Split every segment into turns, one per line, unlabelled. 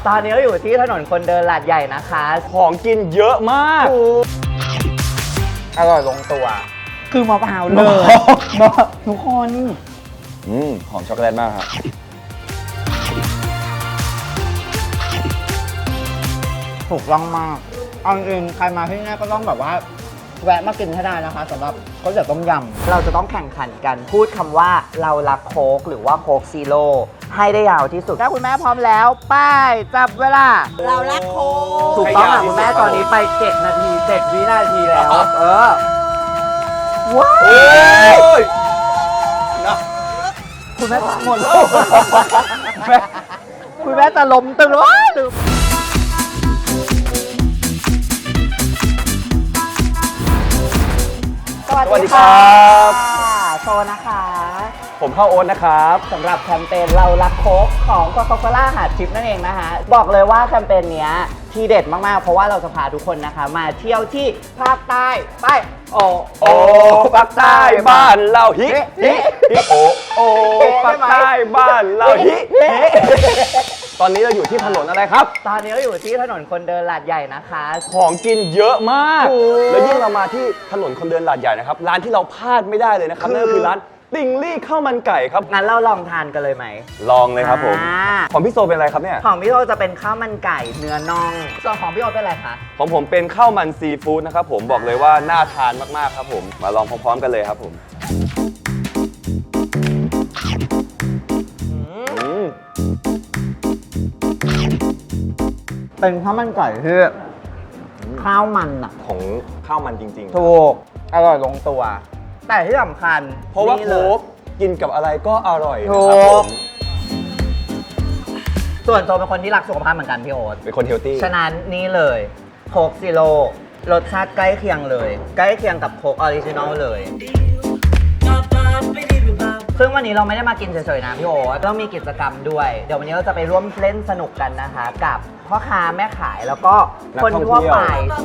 ตอนนี้เราอยู่ที่ถนนคนเดินลาดใหญ่นะคะ
ของกินเยอะมาก
อร่อยลงตัวคือมะพร้าวเลยทุกคน
หอมช็อกโกแลตมากครับ
ถูกต้องมากเอาจริงใครมาที่นี่ก็ต้องแบบว่าแวะมากินให้ได้นะคะสำหรับก๋วยเตี๋ยวต้มยำเราจะต้องแข่งขันกันพูดคำว่าเรารักโค้กหรือว่าโค้กซีโร่ให้ได้ยาวที่สุดถ้าคุณแม่พร้อมแล้วป้ายจับเวลา
เรารักโค้ก
ถูกต้องค่ะคุณแม่ตอนนี้ไป7 นาที 7 วินาทีแล้วว้าวคุณแม่หมดแล้วคุณแม่จะล้มตึงแล้วลืมสวัสดีครับโซนะคะ
ผมเข้าโอ๊ตนะครับ
สำหรับแคมเปญเรารักโค้กของโคคาโคล่าหาดทิพย์นั่นเองนะคะบอกเลยว่าแคมเปญนี้ทีเด็ดมากๆเพราะว่าเราจะพาทุกคนนะคะมาเที่ยวที่ภาคใต้ไปโอ
ภาคใต้บ้านเราฮิโอภาคใต้บ้านเราฮิตอนนี้เราอยู่ที่ถนนอะไรครับ
ตอนนี้เราอยู่ที่ถนนคนเดินลาดใหญ่นะคะ
ของกินเยอะมากแล้วยิ่งเรามาที่ถนนคนเดินลาดใหญ่นะครับร้านที่เราพลาดไม่ได้เลยนะครับนั่นก็คือร้านติงลี่ข้าวมันไก่ครับ
งั้นเราลองทานกันเลยไหม
ลองเลยครับผมของพี่โซเป็นอะไรครับเนี่ย
ของพี่โซจะเป็นข้าวมันไก่เนื้อน่องส่วนของพี่โอเป็นอะไรคะ
ของผมเป็นข้าวมันซีฟู้ดนะครับผมบอกเลยว่าน่าทานมากๆครับผมมาลองพร้อมๆกันเลยครับผม
เป็นข้าวมันไก่ที่ข้าวมันอะ
ของข้าวมันจริง
ๆถูกอร่อยลงตัวแต่ที่สำคัญ
เพราะว่าโค้กกินกับอะไรก็อร่อยนะครับผม
ส่วนตัวเป็นคนที่รักสุขภาพเหมือนกันพี่โอ๊ต
เป็นคนเฮลตี้
ฉะนั้นนี่เลยโค้กซีโร่รสชาติใกล้เคียงเลยใกล้เคียงกับโค้กออริจินอลเลยซึ่งวันนี้เราไม่ได้มากินเฉยๆนะพี่โอ๊ตต้องมีกิจกรรมด้วยเดี๋ยววันนี้เราจะไปร่วมเล่นสนุกกันนะคะกับพ่อค้าแม่ขายแล้วก็คนทั่วไป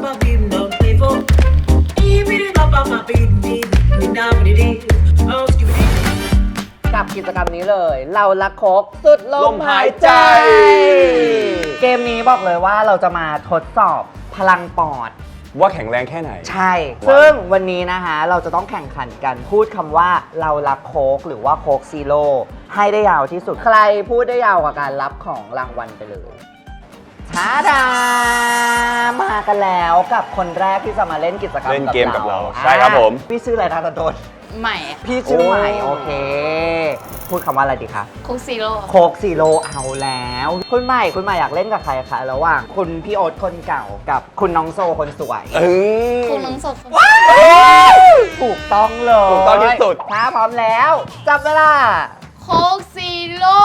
กับกิจกรรมนี้เลยเรารักโค้กสุดลมหายใจเกมนี้บอกเลยว่าเราจะมาทดสอบพลังปอด
ว่าแข็งแรงแค่ไหน
ใช่ซึ่งวันนี้นะคะเราจะต้องแข่งขันกันพูดคำว่าเรารักโค้กหรือว่าโค้กซีโร่ให้ได้ยาวที่สุดใครพูดได้ยาวกว่าการรับของรางวัลไปเลยท้าดามากันแล้วกับคนแรกที่จะมาเล่นกิจกรรม
เล่นเกมกับเราใช่ครับผม
พี่ชื่ออะไรนะตะโดน
ใหม่
พี่ชื่อใหม่โอเคพูดคำว่าอะไรดีคะ
โค้กซีโร่
โค้กซีโร่เอาแล้วคุณใหม่อยากเล่นกับใครคะระหว่างคุณพี่โอ๊ตคนเก่ากับคุณน้องโซคนสวย
คุณน้องโซคน
ถูกต้องเลย
ถูกต้องที่สุด
ถ้าพร้อมแล้วจับเวลา
โค้กซีโร่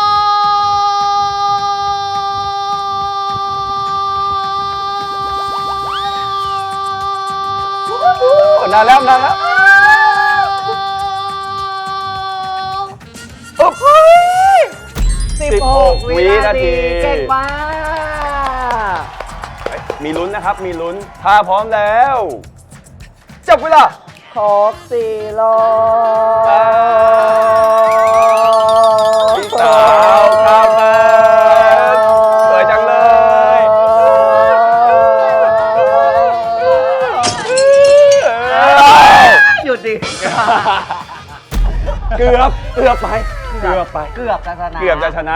นานแล้ว
16 วินาทีเก่งมาก
มีลุ้นนะครับมีลุ้นถ้าพร้อมแล้วจับเวลา
โค้กซีโร่
พี่สาวครับสวยจังเลย
หยุดดิ
เกือบไป
เกือบจะชนะ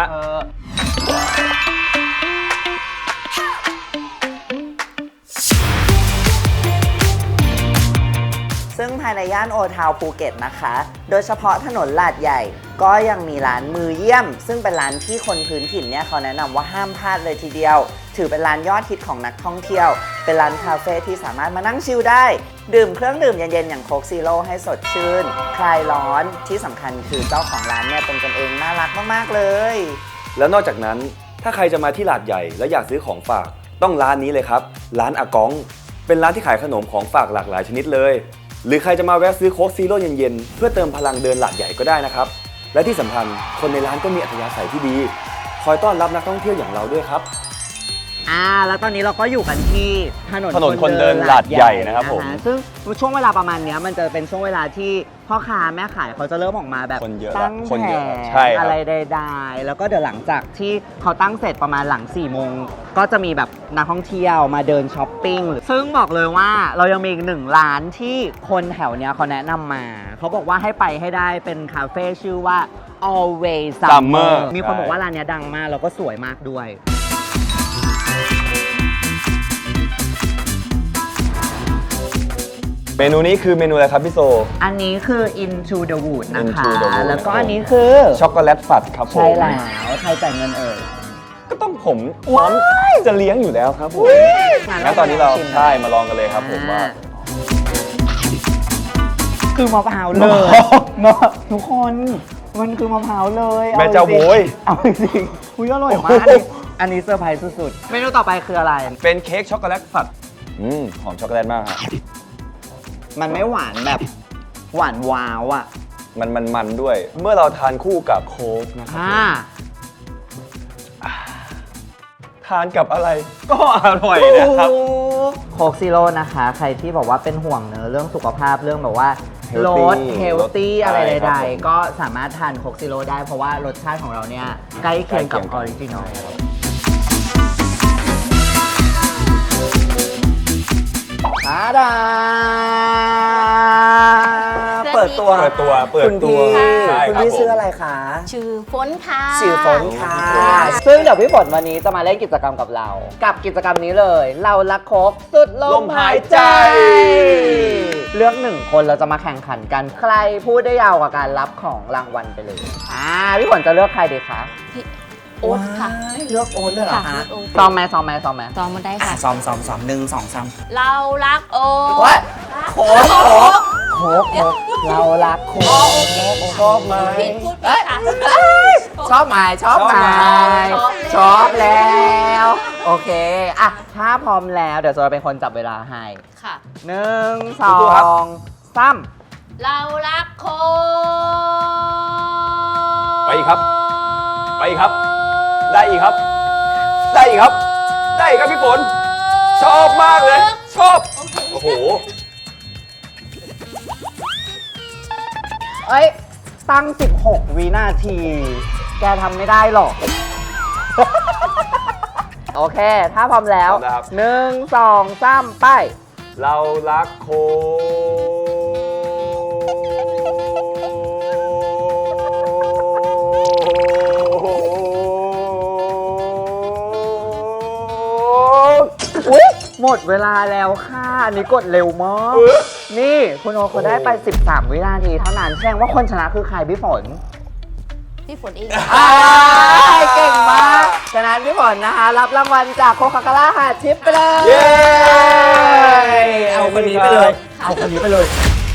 ซึ่งภายในย่านโอทาวภูเก็ตนะคะโดยเฉพาะถนนลาดใหญ่ก็ยังมีร้านมือเยี่ยมซึ่งเป็นร้านที่คนพื้นถิ่นเนี่ยเขาแนะนำว่าห้ามพลาดเลยทีเดียวถือเป็นร้านยอดฮิตของนักท่องเที่ยวเป็นร้านคาเฟ่ที่สามารถมานั่งชิลได้ดื่มเครื่องดื่มเย็นๆอย่างโค้กซีโร่ให้สดชื่นคลายร้อนที่สำคัญคือเจ้าของร้านเนี่ยเป็นกันเองน่ารักมากๆเลย
แล้วนอกจากนั้นถ้าใครจะมาที่ลาดใหญ่และอยากซื้อของฝากต้องร้านนี้เลยครับร้านอากองเป็นร้านที่ขายขนมของฝากหลากหลายชนิดเลยหรือใครจะมาแวะซื้อโค้กซีโร่เย็นๆเพื่อเติมพลังเดินลาดใหญ่ก็ได้นะครับและที่สำคัญคนในร้านก็มีอัธยาศัยที่ดีคอยต้อนรับนักท่องเที่ยวอย่างเราด้วยครับ
แล้วตอนนี้เราก็อยู่กันที่ถนน
คนเดินลาดใหญ่นะครับผม
ซึ่งช่วงเวลาประมาณเนี้ยมันจะเป็นช่วงเวลาที่พ่อค้าแม่ขายเขาจะเริ่มออกมาแบบ
คนเยอะ
ตั้ง
คน
แผ
เยอะ
ง
ใช่ครับ
อะไรใดๆแล้วก็เดี๋ยวหลังจากที่เขาตั้งเสร็จประมาณหลัง4โมงก็จะมีแบบนักท่องเที่ยวมาเดินช้อปปิ้งซึ่งบอกเลยว่าเรายังมีอีกหนึ่งร้านที่คนแถวเนี้ยเขาแนะนำมาเขาบอกว่าให้ไปให้ได้เป็นคาเฟ่ชื่อว่า Always Summer
Summer
มีคนบอกว่าร้านเนี้ยดังมากแล้วก็สวยมากด้วย
เมนูนี้คือเมนูอะไรครับพี่โซ
อันนี้คือ Into the Wood นะคะ
Into the Wood
แล้วก็อันนี้คือ
ช็อกโกแลตฝัดครับผม
ใช่แล้วใครจ่ายเงินเอ่ย
ก็ต้องผมพร้อมจะเลี้ยงอยู่แล้วครับผมงั้นตอนนี้เราใช่มาลองกันเลยครับผมว่า
คือมะพร้าวเลยทุกคนมันคือมะพร้าวเลย
แม่เจ้าโว้ย
เอาจริงๆอุ้ยอร่อยมากอันนี้เซอร์ไพรส์สุดๆเมนูต่อไปคืออะไร
เป็นเค้กช็อกโกแลตฝัดหอมช็อกโกแลตมากครับ
มันไม่หวานแบบหวานว้าวอ่ะ
มันด้วย เมื่อเราทานคู่กับโค้กนะครับทานกับอะไรก็อร่อยนะครับ
โค้กซีโร่นะคะ ใครที่บอกว่าเป็นห่วงเนอะเรื่องสุขภาพเรื่องแบบว่า
Healthy
ลดเฮลตี้อะไร
ใช่ครั
ใด
บผม
ๆก็สามารถทานโค้กซีโร่ได้เพราะว่ารสชาติของเราเนี่ยใกล้เคียงกับออริจินอลดาเปิดตัว คุณพี่
ใช่
คุณ
ครับ
พี่
ผม
ชื่ออะไรคะ
ชื่อฝนค่ะ
ชื่อฝนค่ะ ซึ่งเดี๋ยวพี่ฝนวันนี้จะมาเล่นกิจกรรมกับเรา กับกิจกรรมนี้เลย เรารักโค้กสุดลมหายใจ เลือกหนึ่งคนเราจะมาแข่งขันกัน ใครพูดได้ยาวกว่าการรับของรางวัลไปเลย พี่ฝนจะเลือกใครดีคะ
พี่โอ๊ตค่ะ
เลือกโอ๊ตเลยเหรอ
ค่ะ
คะ
โอ๊ต
ซ้อมไหมซ้อมไหมซ้อมไหม
ซ้อมมาได้ค่ะ
ซ้อม1 2 3
เรารักโอ๊
โอ๊
ต
ยโค้กเรารักโค้กชอบไหม
ผิดพูดผิดค่ะ
ชอบไหมชอบไหมชอบแล้ว โอเคอะถ้าพร้อมแล้วเดี๋ยวโซจะเป็นคนจับเวลาให้
ค่ะ
1
สู้ๆครับ
2 3
เรารักโค้ก
ไปอีกครับ ไปอีกครับ ได้อีกครับ ได้อีกครับ ได้อีกครับพี่ฝน ชอบมากเลย ชอบ โอ้โห
เอ้ย ตั้ง 16 วินาที แกทำไม่ได้หรอก โอเค ถ้าพร้อมแล้ว
พร้อมแล้วครับ
1 2 3 ไป
เรารักโค้ก
อุ๊ย หมดเวลาแล้วค่ะ อันนี้กดเร็วมาก นี่คุณโอเขาได้ไป 13 วินาทีเท่านั้นแสดงว่าคนชนะคือใครพี่ฝน
พี่ฝนเอง
เก่งมาก ฉะนั้นพี่ฝนนะคะ รับรางวัลจากโคคาโคล่าหาชิปไปเลย
เย้
เอาคนนี้ไปเลย เอาคนนี้ไปเลย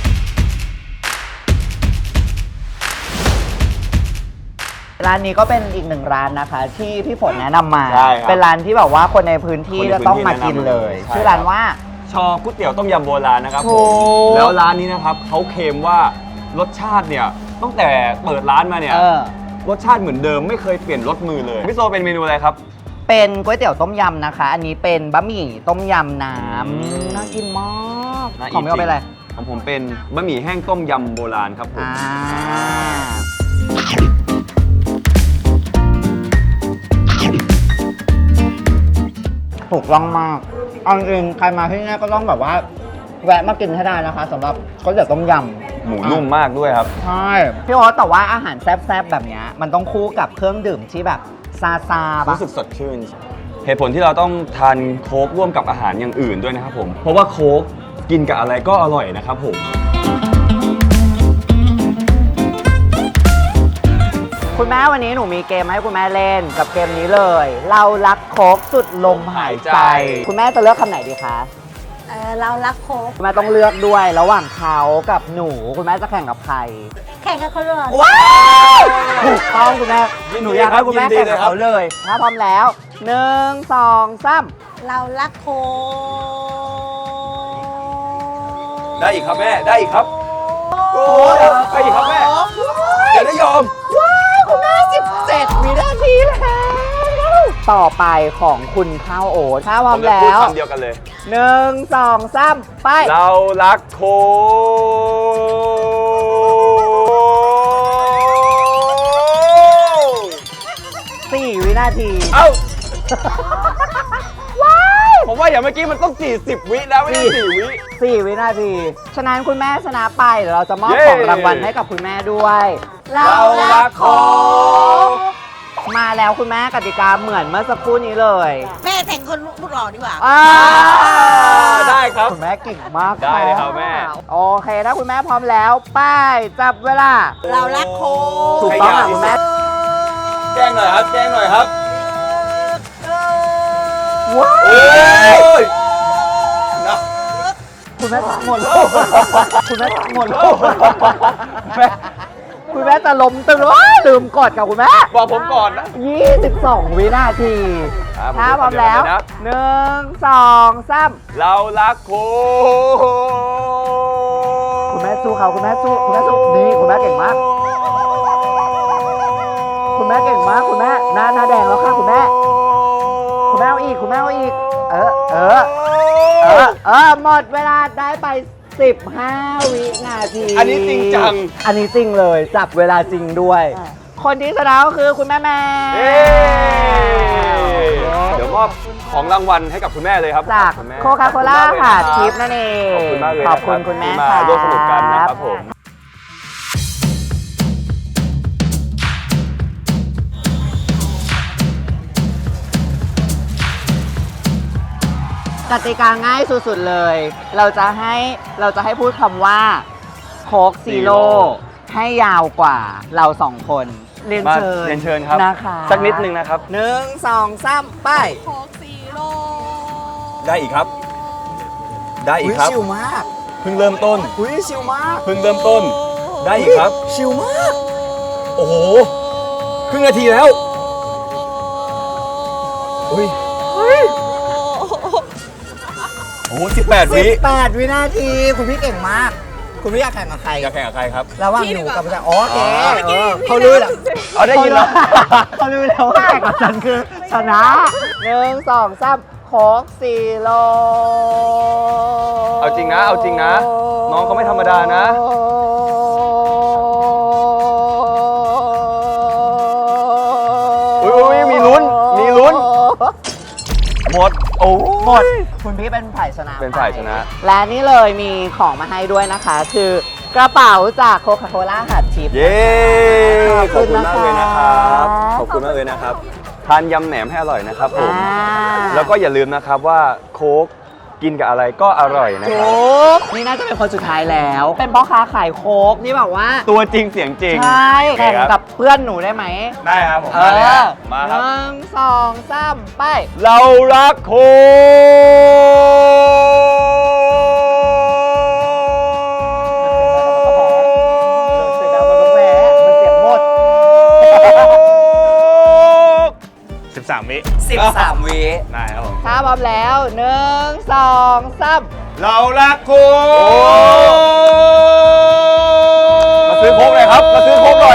ร้านนี้ก็เป็นอีกหนึ่งร้านนะคะ ที่พี่ฝนแนะนำมา
ใช่ครับ
เป็นร้านที่แบบว่าคนในพื้นที่จะต้องมากินเลย
ใช่
ชื่อร้านว่า
ชอก๋วยเตี๋ยวต้มยำโบราณนะครับผ
ถู
ม
ก
แล้วร้านนี้นะครับเขาเคลมว่ารสชาติเนี่ยตั้งแต่เปิดร้านมาเนี่ย รสชาติเหมือนเดิมไม่เคยเปลี่ยนรสมือเลยพี่โซเป็นเมนูอะไรครับ
เป็นก๋วยเตี๋ยวต้มยำนะคะ อันนี้เป็นบะหมี่ต้มยำน้
อืม
ำน่ากินมาก
น่า
ของไม่เอาไปอะไร
ของผมเป็นบะหมี่แห้งต้มยำโบราณครับผม
ถูกต้องมากเอาจริงๆใครมาที่นี่ก็ต้องแบบว่า แวะมากินให้ได้นะคะสำหรับก๋วยเตี๋ยวต้มยำ
หมูนุ่มมากด้วยครับ
ใช่พี่โอ๊ตแต่ว่าอาหารแซ่บๆแบบเนี้ยมันต้องคู่กับเครื่องดื่มที่แบบซาซาๆปะ
รู้สึกสดชื่น เหตุผลที่เราต้องทานโค้กร่วมกับอาหารอย่างอื่นด้วยนะครับผม เพราะว่าโค้กกินกับอะไรก็อร่อยนะครับผม
คุณแม่วันนี้หนูมีเกมให้คุณแม่เล่นกับเกมนี้เลย เรารักโค้กสุดลมหายใจ
หายใจ
คุณแม่จะเลือกคำไหนดีคะ
เรารักโค้ก
คุณแม่ต้องเลือกด้วยระหว่างเขากับหนูคุณแม่จะแข่งกับใคร
แข่งกับคนอื่น
ว้าวถูกต้องคุณแม่
ยินดี
หนูอยากให้คุณแม่
ยินดี
แข่งกับ
เลยครับ
เขาเลย ถ้าพร้อมแล้ว 1 2 3
เรารักโค้ก
ได้อีกครับแม่ ได้อีกครับ โอ้ยได้อีกครับแม่อย่าได้ยอม
ว้าวคุณแม่17 วินาทีแล้วต่อไปของคุณข้าวโอ๊ตถ้าพร้อ
ผม มจะ
แล้
พูด
ว
คำเดียวกันเลย
1 2 3 ไป
เรารักโค้ก
4 วินาที
เอ้า ผมว่าอย่างเมื่อกี้มันต้อง 40 วินะไม่ใช่4 วิ
4 วินาที ฉะนั้นคุณแม่ชนะไปเดี๋ยวเราจะมอบ
เย้
ของรางวัลให้กับคุณแม่ด้วย
เรารักโค้ก
มาแล้วคุณแม่กติกาเหมือนเมื่อสักครู่นี้เลย
แม่แต่งคนลูกหล่อดีกว่า
อ่า
ได้ครับ
คุณแม่เก่งมาก
ได้เลยครับแม่
โอเคถ้าคุณแม่พร้อมแล้วไป้ายจับเวลา
เรารักโค้ก
ถูกต้องค่ะคุณแม่
แจ้งหน่อยครับ แจ้งหน่อยครับ
ว้า
โอ้ยนะ
คุณแม่หมดแล้วคุณแม่หมดแล้วคุณแม่จะล้มตึงว้ายลืมกดกับคุณแม่
บอกผมก่อนนะ
22 วินาที
ครับ
ถ้าพร้อมแล้ว
ผมจะเดี๋ยวนะ
1 2 3
เรารักโค้ก
คุณแม่สู้เขาคุณแม่สู้คุณแม่สู้นี่คุณแม่เก่งมาก คุณแม่เก่งมากคุณแม่หน้าแดงแล้วค่ะคุณแม่ คุณแม่เอาอีกคุณแม่เอาอีก หมดเวลาได้ไป 15 วินาที
อันนี้จริงจัง
อันนี้จริงเลยจับเวลาจริงด้วย คนที่ชนะก็คือคุณแม่แม่
เย้เดี๋ยวมอบของรางวัลให้กับคุณแม่เลยครับ
จาก
ณแม่
โคคาโคล่า
ขอบณมกเลย
ค่ะ
รับ
ทิปนั่นเอง
ขอบคุณมากเลย
ขอบคุณ
นะ
คุณแม่
ที่มา
ค่ะ
ร่วมสนุกกันนะครับผม
กติกาง่ายสุดๆเลย เราจะให้พูดคำว่าโค้กซีโร่ให้ยาวกว่าเราสองคน เรียน
มา
เชิญ
เรียนเชิญครับ
นะคะ
สักนิดนึงนะครับ
1 2 3 ไป
โค้กซีโร่
ได้อีกครับ ได้อีก
อุ๊ย
ครับ
ชิวมาก
เพิ่งเริ่มต้น
อุ้ยชิวมาก
เพิ่งเริ่มต้น ได้อีกครับ
ชิวมาก
โอ้โห ครึ่งนาทีแล้ว อุ้ยโอ้โห18 วิ
18 วินาที คุณพี่เก่งมาก คุณพี่อยากแข่งกับใคร
จะแข่งกับใครครับ
ระหว่างหนูกับพี่โอเค
อ๋อ
เขารู้แล้ว
เอาได้ยินแล้ว
เขารู้แล้วว่าแข่งกับฉันคือชนะ1 2 3โค้กซีโร่
เอาจริงนะ เอาจริงนะ น้องเขาไม่ธรรมดานะ อุ๊ยมีลุ้น มีลุ้น หมด โอ้
หมด คุณพี่เป็นฝ่ายชนะ
เป็นฝ่ายชนะ
และนี่เลยมีของมาให้ด้วยนะคะ คือกระเป๋าจากโคคาโคล่าหัดทิป
เย้ ขอบคุณมากเลยนะครับ ขอบคุณมากเลยนะครับ ทานยำแหนมให้อร่อยนะครับผม แล้วก็อย่าลืมนะครับว่าโค้กกินกับอะไรก็อร่อยนะค
โค้
รับ
กนี่น่าจะเป็นคนสุดท้ายแล้ว เป็นพ่อค้าขายโค้กนี่แบบว่า
ตัวจริงเสียงจริง
ใช่
โอเค
แข่ง
ครับ
กับเพื่อนหนูได้ไหม
ได้ครับผม มาเลยฮะมาครับ
1 2 3 ไป
เรารักโค้ก
13 วิ
13 วิ
ได้ครับผม
ถ้าพร้อมแล้ว 1 2 3
เรารักโค้กมาซื้อโค้กหน่อยครับ มาซื้อโค้กหน่อย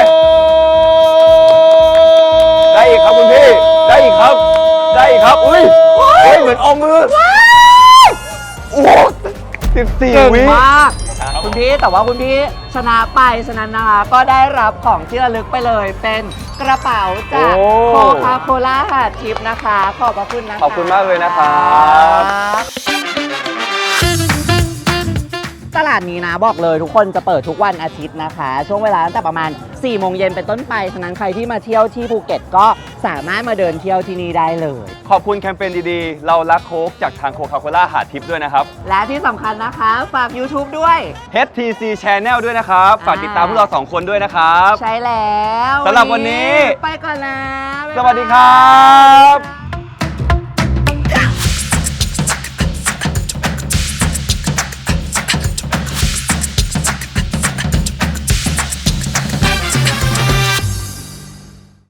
ได้อีกครับคุณพี่ ได้อีกครับ ได้อีกครับ อุ้ยเฮ้ยเหมือนเอามือโอ้โห
เก่ง
14 วิ
มาก คุณพี่แต่ว่าคุณพี่ชนะไปฉะนั้นนะคะก็ได้รับของที่ระลึกไปเลยเป็นกระเป๋าจาก
โอ้
โคคาโคล่าหาดทิปนะคะ ขอบพระคุณนะคะ
ขอบคุณมากเลยนะครับ
ตลาดนี้นะบอกเลยทุกคนจะเปิดทุกวันอาทิตย์นะคะ ช่วงเวลาตั้งแต่ประมาณ 4 โมงเย็นเป็นต้นไป ฉะนั้นใครที่มาเที่ยวที่ภูเก็ตก็สามารถมาเดินเที่ยวที่นี่ได้เลย
ขอบคุณแคมเปญดีๆ เรารักโค้กจากทางโคคาโคล่าหาดทิพย์ด้วยนะครับ
และที่สำคัญนะคะฝาก YouTube ด้วย
HTC Channel ด้วยนะครับ ฝากติดตามพวกเรา 2 คนด้วยนะครับ
ใช่แล้ว
สำหรับวันนี้
ไปก่อนนะบ๊ายบาย
สวัสดีครับ